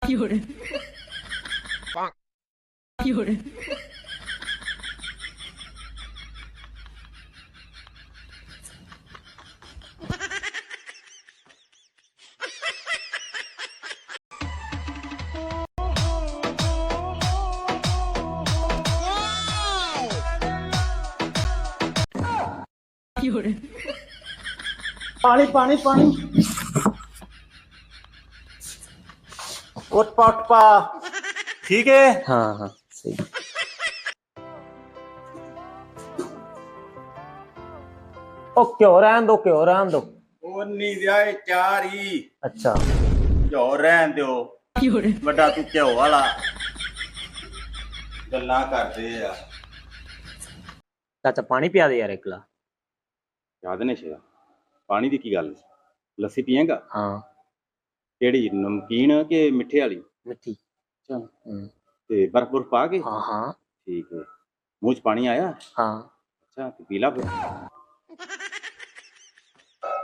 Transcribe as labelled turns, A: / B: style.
A: 有人，有人，有人，
B: पानी पानी पानी उठ पा ठीक है।
C: हाँ हाँ सही। ओ क्यों रहन दो।
B: ਉਹ ਨਹੀਂ ਦਿਆ ਚਾਰ ਹੀ
C: अच्छा
B: ਘਿਓ ਰਹਿਣ ਦਿਓ।
A: 有人，
B: ਵੱਡਾ ਤੂੰ ਘਿਓ ਵਾਲਾ ਗੱਲਾਂ ਕਰਦੇ ਆ।
C: चाचा पानी पिया दे यार एक गिलास।
B: ਯਾਦ ਨਹੀਂ ਸ਼ੇਰਾ ਪਾਣੀ ਦੀ ਕੀ ਗੱਲ ਲੱਸੀ ਪੀਏਗਾ
C: हाँ
B: ਕਿਹੜੀ ਨਮਕੀਨ ਕਿ ਮਿੱਠੇ ਵਾਲੀ
C: मिट्टी।
B: ਅੱਛਾ
C: हम्म,
B: ਤੇ ਬਰਫ਼ ਬੁਰਫ਼ ਪਾ ਕੇ
C: हाँ हाँ
B: ਠੀਕ ਹੈ ਮੂੰਹ 'ਚ ਪਾਣੀ ਆਇਆ
C: हाँ
B: ਅੱਛਾ ਤੇ ਪੀ ਲਾ ਫਿਰ